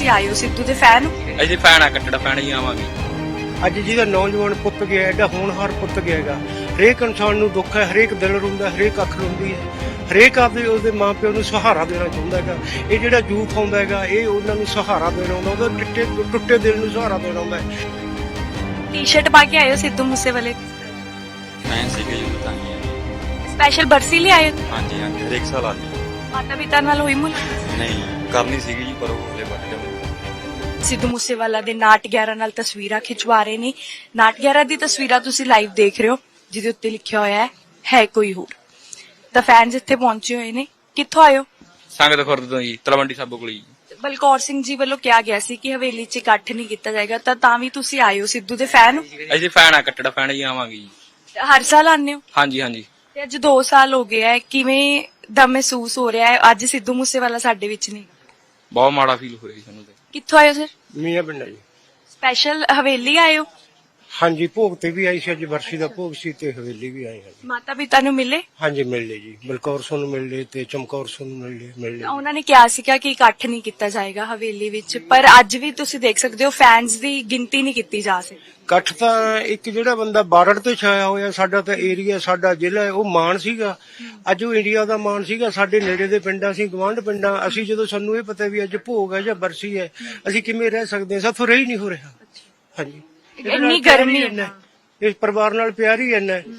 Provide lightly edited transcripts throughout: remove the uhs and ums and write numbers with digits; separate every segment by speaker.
Speaker 1: ਤੁਸੀਂ ਆਏ ਹੋ ਸਿੱਧੂ ਦੇ ਫੈਨ ਹੋ?
Speaker 2: ਅਸੀਂ ਫੈਨ ਆ, ਕੱਟੜਾ ਫੈਨ ਹੀ ਆਵਾਂਗੇ।
Speaker 3: ਅੱਜ ਜਿਹਦਾ ਨੌਜਵਾਨ ਪੁੱਤ ਗਿਆ, ਐਡਾ ਹੋਣਹਾਰ ਪੁੱਤ ਗਿਆ ਹੈਗਾ। ਹਰੇਕ ਇਨਸਾਨ ਨੂੰ ਦੁੱਖ ਹੈ, ਹਰੇਕ ਦਿਲ ਰੋਂਦਾ, ਹਰੇਕ ਅੱਖ ਰੋਂਦੀ ਹੈ, ਹਰੇਕ ਆਪਦੇ ਉਹਦੇ ਮਾਪਿਓ ਨੂੰ ਸਹਾਰਾ ਦੇਣਾ ਚਾਹੁੰਦਾ ਹੈਗਾ। ਇਹ ਜਿਹੜਾ ਯੂਥ ਆਉਂਦਾ ਹੈਗਾ, ਇਹ ਉਹਨਾਂ ਨੂੰ ਸਹਾਰਾ ਦੇਣਾ ਆਉਂਦਾ, ਉਹਦੇ ਟੁੱਟੇ ਦਿਲ ਨੂੰ ਸਹਾਰਾ ਦੇਣਾ ਆਉਂਦਾ ਹੈ।
Speaker 1: ਟੀ-ਸ਼ਰਟ ਪਾ ਕੇ ਆਏ ਹੋ ਸਿੱਧੂ ਮੂਸੇਵਾਲੇ ਦੀ?
Speaker 2: ਫੈਨ ਸੀਗੇ ਜਦੋਂ ਤਾਂ ਹੀ ਆਏ।
Speaker 1: ਸਪੈਸ਼ਲ ਬਰਸੀ ਲਈ ਆਏ ਹੋ?
Speaker 2: ਹਾਂਜੀ ਹਾਂਜੀ, ਹਰੇਕ ਸਾਲ ਆਉਂਦੇ।
Speaker 1: ਮਾਤਾ ਪਿਤਾ ਨਾਲ ਹੋਈ ਮੁਲਾਕਾਤ?
Speaker 2: ਨਹੀਂ ਕਰਨੀ ਸੀਗੀ ਜੀ, ਪਰ ਉਹ ਹਲੇ ਵੱਟ ਜਾਂਦੇ।
Speaker 1: ਸਿੱਧੂ ਮੂਸੇਵਾਲਾ ਦੇ ਨਾਟ 11 ਨਾਲ ਤਸਵੀਰਾਂ ਖਿਚਵਾ ਰਹੇ ਨੇ। ਨਾਟ 11 ਦੀ ਤਸਵੀਰਾਂ ਤੁਸੀਂ ਲਾਈਵ ਦੇਖ ਰਹੇ ਹੋ, ਜਿਹਦੇ ਉੱਤੇ ਲਿਖਿਆ ਹੋਇਆ ਹੈ ਕੋਈ ਹੋਰ। ਤਾਂ ਫੈਨਸ ਇੱਥੇ ਪਹੁੰਚੇ ਹੋਏ ਨੇ। ਕਿੱਥੋਂ ਆਏ ਹੋ?
Speaker 2: ਸੰਗਤ ਖੁਰਦ ਤੋਂ ਜੀ, ਤਲਵੰਡੀ ਸਾਬੋ ਕੋਲ ਜੀ।
Speaker 1: ਬਲਕੌਰ ਸਿੰਘ ਜੀ ਵੱਲੋਂ ਕਿਹਾ ਗਿਆ ਸੀ ਕਿ ਹਵੇਲੀ 'ਚ ਇਕੱਠ ਨਹੀਂ ਕੀਤਾ ਜਾਏਗਾ, ਤਾਂ ਵੀ ਤੁਸੀਂ ਆਏ ਹੋ। ਸਿੱਧੂ ਦੇ ਫੈਨ ਹੋ?
Speaker 2: ਅਸੀਂ ਫੈਨ ਆ, ਕੱਟੜਾ ਫੈਨ ਹੀ ਆਵਾਂਗੇ ਜੀ।
Speaker 1: ਹਰ ਸਾਲ ਆਉਂਦੇ ਹੋ?
Speaker 2: ਹਾਂਜੀ ਹਾਂਜੀ।
Speaker 1: ਤੇ ਅੱਜ 2 ਸਾਲ ਹੋ ਗਏ ਹੈ, ਕਿਵੇਂ ਦਾ ਮਹਿਸੂਸ ਹੋ ਰਿਹਾ ਹੈ ਅੱਜ ਸਿੱਧੂ ਮੂਸੇਵਾਲਾ ਸਾਡੇ ਵਿੱਚ ਨਹੀਂ?
Speaker 2: ਬਹੁਤ ਮਾੜਾ ਫੀਲ ਹੋ ਰਿਹਾ ਜੀ ਸਾਨੂੰ ਤੇ।
Speaker 1: ਕਿੱਥੋਂ ਆਏ ਹੋ ਸਰ?
Speaker 3: ਮੀਆਂ ਪਿੰਡਾ ਜੀ।
Speaker 1: ਸਪੈਸ਼ਲ ਹਵੇਲੀ ਆਏ ਹੋ?
Speaker 3: ਹਾਂਜੀ, ਭੋਗ ਤੇ ਵੀ ਆਈ ਸੀ, ਅੱਜ ਬਰਸੀ ਦਾ ਭੋਗ ਸੀ ਤੇ ਹਵੇਲੀ ਵੀ ਆਏ ਹਾਂ।
Speaker 1: ਮਾਤਾ ਪਿਤਾ ਨੂੰ ਮਿਲੇ?
Speaker 3: ਹਾਂਜੀ ਮਿਲ ਲਏ ਜੀ, ਬਲਕੌਰ ਸਿੰਘ ਨੂੰ ਮਿਲ ਲਏ ਤੇ ਚਮਕੌਰ ਸਿੰਘ ਨੂੰ ਮਿਲ ਲਏ।
Speaker 1: ਉਹਨਾਂ ਨੇ ਕਿਹਾ ਸੀਗਾ ਕਿ ਇਕੱਠ ਨਹੀਂ ਕੀਤਾ ਜਾਏਗਾ ਹਵੇਲੀ ਵਿੱਚ, ਪਰ ਅੱਜ ਵੀ ਤੁਸੀਂ ਦੇਖ ਸਕਦੇ ਹੋ ਫੈਨਸ ਦੀ ਗਿਣਤੀ ਨਹੀਂ ਕੀਤੀ ਜਾ ਸਕਦੀ।
Speaker 3: ਇਕੱਠ ਤਾਂ ਇੱਕ ਜਿਹੜਾ ਬੰਦਾ ਬਾਰਡਰ ਤੇ ਛਾਇਆ ਹੋਇਆ, ਸਾਡਾ ਤਾਂ ਏਰੀਆ, ਸਾਡਾ ਜ਼ਿਲ੍ਹਾ ਹੈ, ਉਹ ਮਾਣ ਸੀਗਾ। ਅੱਜ ਉਹ ਇੰਡੀਆ ਦਾ ਮਾਣ ਸੀਗਾ। ਸਾਡੇ ਨੇੜੇ ਦੇ ਪਿੰਡਾਂ, ਅਸੀਂ ਗਵਾਂਢ ਪਿੰਡਾਂ, ਅਸੀਂ ਜਦੋਂ ਸਾਨੂੰ ਇਹ ਪਤਾ ਵੀ ਅੱਜ ਭੋਗ ਹੈ ਜਾਂ ਬਰਸੀ ਹੈ, ਅਸੀਂ ਕਿਵੇਂ ਰਹਿ ਸਕਦੇ ਹਾਂ? ਸਾਥੋਂ ਰਹਿ ਹੀ ਨਹੀਂ ਹੋ ਰਿਹਾ। ਹਾਂਜੀ,
Speaker 1: ਇੰਨੀ ਗਰਮੀ ਹੈ।
Speaker 3: ਇਸ ਪਰਿਵਾਰ ਨਾਲ ਪਿਆਰ ਹੀ ਇੰਨਾ ਹੈ।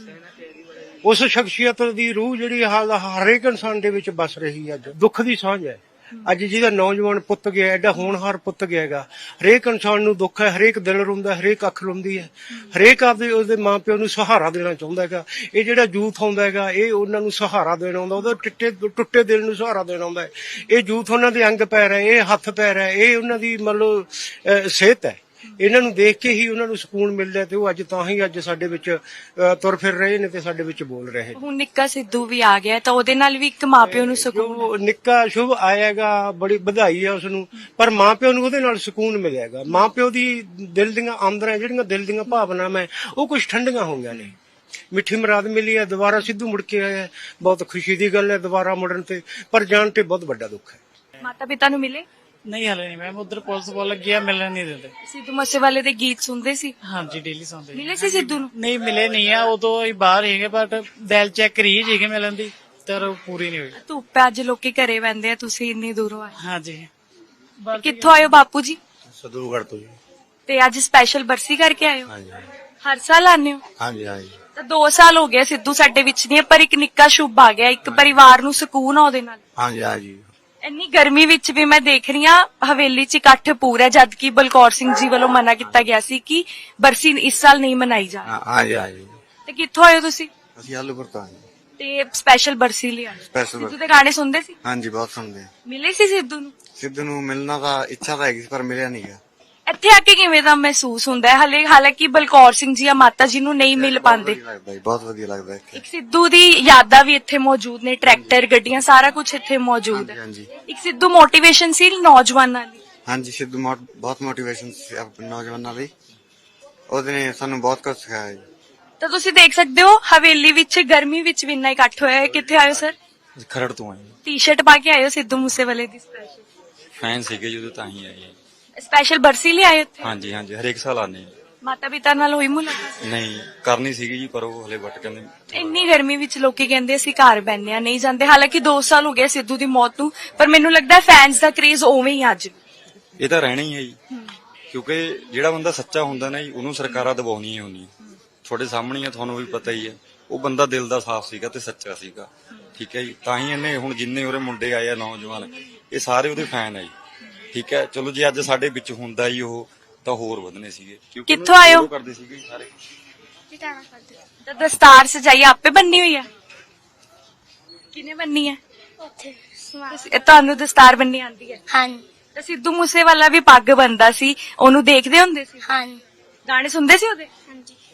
Speaker 3: ਉਸ ਸ਼ਖਸੀਅਤ ਦੀ ਰੂਹ ਜਿਹੜੀ ਹਰੇਕ ਇਨਸਾਨ ਦੇ ਵਿੱਚ ਵਸ ਰਹੀ ਹੈ। ਅੱਜ ਦੁੱਖ ਦੀ ਸਾਂਝ ਹੈ। ਅੱਜ ਜਿਹਦਾ ਨੌਜਵਾਨ ਪੁੱਤ ਗਿਆ, ਐਡਾ ਹੋਣਹਾਰ ਪੁੱਤ ਗਿਆ ਹੈਗਾ। ਹਰੇਕ ਇਨਸਾਨ ਨੂੰ ਦੁੱਖ ਹੈ, ਹਰੇਕ ਦਿਲ ਰੋਂਦਾ, ਹਰੇਕ ਅੱਖ ਰੋਂਦੀ ਹੈ, ਹਰੇਕ ਆਪਦੇ ਉਹਦੇ ਮਾਪਿਓ ਨੂੰ ਸਹਾਰਾ ਦੇਣਾ ਚਾਹੁੰਦਾ ਹੈਗਾ। ਇਹ ਜਿਹੜਾ ਯੂਥ ਆਉਂਦਾ ਹੈਗਾ, ਇਹ ਉਹਨਾਂ ਨੂੰ ਸਹਾਰਾ ਦੇਣਾ ਆਉਂਦਾ, ਉਹਦੇ ਟੁੱਟੇ ਦਿਲ ਨੂੰ ਸਹਾਰਾ ਦੇਣਾ ਆਉਂਦਾ ਹੈ। ਇਹ ਯੂਥ ਉਹਨਾਂ ਦੇ ਅੰਗ ਪੈਰ ਹੈ, ਇਹ ਹੱਥ ਪੈਰ ਹੈ, ਇਹ ਉਹਨਾਂ ਦੀ ਮਤਲਬ ਸਿਹਤ ਹੈ। ਇਹਨਾਂ ਨੂੰ ਦੇਖ ਕੇ ਹੀ ਉਹਨਾਂ ਨੂੰ ਸਕੂਨ ਮਿਲਦਾ ਤੇ ਉਹ ਅੱਜ ਤਾਂ ਹੀ ਅੱਜ ਸਾਡੇ ਵਿੱਚ ਤੁਰ ਫਿਰ ਰਹੇ ਨੇ ਤੇ ਸਾਡੇ ਵਿੱਚ ਬੋਲ ਰਹੇ।
Speaker 1: ਹੁਣ ਨਿੱਕਾ ਸਿੱਧੂ ਵੀ ਆ ਗਿਆ ਤਾਂ ਉਹਦੇ ਨਾਲ ਵੀ ਇੱਕ ਮਾਪਿਓ ਨੂੰ ਸਕੂਨ।
Speaker 3: ਜੋ ਨਿੱਕਾ ਸ਼ੁਭ ਆਏਗਾ, ਬੜੀ ਵਧਾਈ ਹੈ ਉਸ ਨੂੰ, ਪਰ ਮਾਪਿਓ ਨੂੰ ਉਹਦੇ ਨਾਲ ਸਕੂਨ ਮਿਲੇਗਾ। ਮਾਪਿਓ ਦੀ ਦਿਲ ਦੀਆਂ ਆਂਦਰਾਂ, ਜਿਹੜੀਆਂ ਦਿਲ ਦੀਆਂ ਭਾਵਨਾਵਾਂ, ਉਹ ਕੁਝ ਠੰਡੀਆਂ ਹੋਈਆਂ ਨੇ। ਮਿੱਠੀ ਮੁਰਾਦ ਮਿਲੀ ਹੈ, ਦੁਬਾਰਾ ਸਿੱਧੂ ਮੁੜ ਕੇ ਆਇਆ, ਬਹੁਤ ਖੁਸ਼ੀ ਦੀ ਗੱਲ ਹੈ ਦੁਬਾਰਾ ਮੁੜਨ ਤੇ, ਪਰ ਜਾਣ ਤੇ ਬਹੁਤ ਵੱਡਾ ਦੁੱਖ ਹੈ।
Speaker 1: ਮਾਤਾ ਪਿਤਾ ਨੂੰ ਮਿਲੇ?
Speaker 4: ਨਹੀਂ ਹਲੇ ਨਹੀਂ ਮੈਮ, ਉਧਰ ਪੁਲਿਸ ਕੋਲ ਲੱਗਿਆ, ਮਿਲਣ ਨਹੀਂ ਦਿੰਦੇ।
Speaker 1: ਸਿੱਧੂ ਮੂਸੇਵਾਲੇ ਦੇ ਗੀਤ ਸੁਣਦੇ ਸੀ?
Speaker 4: ਹਾਂਜੀ ਡੇਲੀ ਸੁਣਦੇ।
Speaker 1: ਮਿਲੇ ਸੀ ਸਿੱਧੂ ਨੂੰ?
Speaker 4: ਨਹੀਂ ਮਿਲੇ ਨਹੀਂ ਆ, ਉਦੋਂ ਹੀ ਬਾਹਰ ਹੈਗੇ, ਬਟ ਦਿਲ ਚੈੱਕ ਕਰੀ ਸੀਗੇ ਮਿਲਣ ਦੀ, ਪਰ ਉਹ ਪੂਰੀ ਨਹੀਂ ਹੋਈ।
Speaker 1: ਧੁੱਪ ਹੈ, ਅੱਜ ਲੋਕੀ ਘਰੇ ਬੈੰਦੇ ਆ, ਤੁਸੀਂ ਇੰਨੀ ਦੂਰੋਂ ਆਏ।
Speaker 4: ਹਾਂਜੀ।
Speaker 1: ਕਿੱਥੋਂ ਆਏ ਹੋ ਬਾਪੂ ਜੀ?
Speaker 3: ਸਦੂਗੜ ਤੋਂ ਜੀ।
Speaker 1: ਤੇ ਅੱਜ ਸਪੈਸ਼ਲ ਬਰਸੀ ਕਰਕੇ ਆਏ ਹੋ?
Speaker 3: ਹਾਂਜੀ
Speaker 1: ਹਰ ਸਾਲ ਆਉਂਦੇ ਹੋ?
Speaker 3: ਹਾਂਜੀ ਹਾਂਜੀ।
Speaker 1: ਤਾਂ 2 ਸਾਲ ਹੋ ਗਏ ਸਿੱਧੂ ਸਾਡੇ ਵਿੱਚ ਨਹੀਂ ਹੈ, ਪਰ ਇੱਕ ਨਿੱਕਾ ਸ਼ੁਭ ਆ ਗਿਆ, ਇੱਕ ਪਰਿਵਾਰ ਨੂੰ ਸਕੂਨ ਆ ਉਹਦੇ ਨਾਲ।
Speaker 3: ਹਾਂਜੀ ਹਾਂਜੀ।
Speaker 1: ਇੰਨੀ ਗਰਮੀ ਵਿੱਚ ਵੀ ਮੈਂ ਦੇਖ ਰਹੀ ਹਾਂ ਹਵੇਲੀ 'ਚ ਇਕੱਠ ਪੂਰਾ, ਜਦ ਕਿ ਬਲਕੌਰ ਸਿੰਘ ਜੀ ਵੱਲੋਂ ਮਨਾ ਕੀਤਾ ਗਿਆ ਸੀ ਕਿ ਬਰਸੀ ਇਸ ਸਾਲ ਨਹੀਂ ਮਨਾਈ ਜਾਣੀ।
Speaker 3: ਹਾਂਜੀ ਹਾਂਜੀ।
Speaker 1: ਤੇ ਕਿੱਥੋਂ ਆਏ ਹੋ ਤੁਸੀਂ?
Speaker 3: ਅਸੀਂ ਆਲੂਪੁਰ ਤੋਂ ਆਏ।
Speaker 1: ਤੇ ਸਪੈਸ਼ਲ ਬਰਸੀ ਲਈ ਆਏ? ਸਿੱਧੂ ਦੇ ਗਾਣੇ ਸੁਣਦੇ ਸੀ?
Speaker 3: ਹਾਂਜੀ ਬਹੁਤ ਸੁਣਦੇ।
Speaker 1: ਮਿਲੇ ਸੀ ਸਿੱਧੂ ਨੂੰ?
Speaker 3: ਸਿੱਧੂ ਨੂੰ ਮਿਲਣਾ ਦਾ ਇੱਛਾ ਤਾਂ ਹੈਗੀ ਪਰ ਮਿਲਿਆ ਨਹੀਂ ਗਿਆ।
Speaker 1: ਇੱਥੇ ਆ ਕੇ ਕਿਵੇਂ ਦਾ ਮਹਿਸੂਸ ਹੁੰਦਾ ਹੈ? ਹਾਲਾਂਕਿ ਬਲਕੌਰ ਸਿੰਘ ਜੀ ਜਾਂ ਮਾਤਾ ਜੀ ਨੂੰ ਨਹੀਂ ਮਿਲ ਪਾਉਂਦੇ।
Speaker 3: ਬਹੁਤ ਵਧੀਆ ਲੱਗਦਾ।
Speaker 1: ਇੱਕ ਸਿੱਧੂ ਦੀ ਯਾਦਾਂ ਵੀ ਇੱਥੇ ਮੌਜੂਦ ਨੇ, ਟਰੈਕਟਰ, ਗੱਡੀਆਂ, ਸਾਰਾ ਕੁਝ ਇੱਥੇ ਮੌਜੂਦ ਹੈ।
Speaker 3: ਹਾਂਜੀ।
Speaker 1: ਇੱਕ ਸਿੱਧੂ ਮੋਟੀਵੇਸ਼ਨ ਸੀ ਨੌਜਵਾਨਾਂ ਲਈ।
Speaker 3: ਹਾਂਜੀ, ਸਿੱਧੂ ਬਹੁਤ ਮੋਟੀਵੇਸ਼ਨ ਸੀ ਆਪਣੇ ਨੌਜਵਾਨਾਂ ਲਈ। ਉਹਦੇ ਨੇ ਸਾਨੂੰ ਬਹੁਤ ਕੁਝ ਸਿਖਾਇਆ ਜੀ।
Speaker 1: ਤਾਂ ਤੁਸੀਂ ਦੇਖ ਸਕਦੇ ਹੋ ਹਵੇਲੀ ਵਿੱਚ ਗਰਮੀ ਵਿੱਚ ਵੀ ਇੰਨਾ ਇਕੱਠ ਹੋਇਆ ਹੈ। ਕਿੱਥੇ ਆਇਓ ਸਰ?
Speaker 2: ਖਰੜ ਤੋਂ ਆਏ।
Speaker 1: ਟੀ-ਸ਼ਰਟ ਪਾ ਕੇ ਆਇਓ ਸਿੱਧੂ ਮੂਸੇਵਾਲੇ ਦੀ ਸਪੈਸ਼ਲ?
Speaker 2: ਫੈਨ ਸੀਗੇ ਜਦੋਂ ਤਾਂ ਹੀ ਆਏ।
Speaker 1: ਸਪੈਸ਼ਲ ਬਰਸੀ ਲਈ ਆਏ ਉੱਥੇ?
Speaker 2: ਹਾਂਜੀ ਹਾਂਜੀ, ਹਰੇਕ ਸਾਲ ਆਉਂਦੇ।
Speaker 1: ਮਾਤਾ ਪਿਤਾ ਨਾਲ ਹੋਈ ਮੁਲਾਕਾਤ?
Speaker 2: ਨਹੀਂ ਕਰਨੀ ਸੀਗੀ ਜੀ, ਪਰ ਉਹ ਹਲੇ ਵੱਟ ਜਾਂਦੇ।
Speaker 1: ਇੰਨੀ ਗਰਮੀ ਵਿੱਚ ਲੋਕੀ ਕਹਿੰਦੇ ਅਸੀਂ ਘਰ ਬੈਠਨੇ ਆ, ਨਹੀਂ ਜਾਂਦੇ। ਹਾਲਾਂਕਿ 2 ਸਾਲ ਹੋ ਗਏ ਸਿੱਧੂ ਦੀ ਮੌਤ ਨੂੰ, ਪਰ ਮੈਨੂੰ ਲੱਗਦਾ ਫੈਨਸ ਦਾ ਕ੍ਰੇਜ਼ ਉਵੇਂ ਹੀ ਅੱਜ।
Speaker 2: ਇਹ ਤਾਂ ਰਹਿਣਾ ਹੀ ਹੈ ਜੀ, ਕਿਉਂਕਿ ਜਿਹੜਾ ਬੰਦਾ ਸੱਚਾ ਹੁੰਦਾ ਨਾ ਜੀ, ਉਹਨੂੰ ਸਰਕਾਰਾਂ ਦਬਾਉਣੀਆਂ ਹੁੰਦੀਆਂ। ਤੁਹਾਡੇ ਸਾਹਮਣੇ ਆ, ਤੁਹਾਨੂੰ ਵੀ ਪਤਾ ਹੀ ਹੈ। ਉਹ ਬੰਦਾ ਦਿਲ ਦਾ ਸਾਫ਼ ਸੀਗਾ ਤੇ ਸੱਚਾ ਸੀਗਾ, ਠੀਕ ਹੈ ਜੀ। ਤਾਂ ਹੀ ਇਹਨੇ ਹੁਣ ਜਿੰਨੇ ਉਹਦੇ ਮੁੰਡੇ ਆਏ ਆ ਨੌਜਵਾਨ, ਇਹ ਸਾਰੇ ਉਹਦੇ ਫੈਨ ਆ ਜੀ, ਠੀਕ ਹੈ। ਚਲੋ ਜੇ ਅੱਜ ਸਾਡੇ ਵਿੱਚ ਹੁੰਦਾ ਹੀ ਉਹ, ਤਾਂ ਹੋਰ ਵਧਨੇ ਸੀਗੇ।
Speaker 1: ਕਿੱਥੋਂ ਆਏ ਹੋ?
Speaker 2: ਕਰਦੇ ਸੀਗੇ ਸਾਰੇ।
Speaker 1: ਤਾਂ ਦਸਤਾਰ ਸਜਾਈ ਆਪੇ ਬੰਨੀ ਹੋਈ ਹੈ? ਕਿਨੇ ਬੰਨੀ ਹੈ? ਤੁਹਾਨੂੰ ਦਸਤਾਰ ਬੰਨੀ ਆਉਂਦੀ ਹੈ?
Speaker 5: ਹਾਂ
Speaker 1: ਤਾਂ ਸਿੱਧੂ ਮੂਸੇਵਾਲਾ ਵੀ ਪੱਗ ਬੰਨਦਾ ਸੀ, ਉਹਨੂੰ ਦੇਖਦੇ ਹੁੰਦੇ ਸੀ?
Speaker 5: ਹਾਂ
Speaker 1: ਗਾਣੇ ਸੁਣਦੇ ਸੀ ਉਹਦੇ?
Speaker 5: ਹਾਂਜੀ।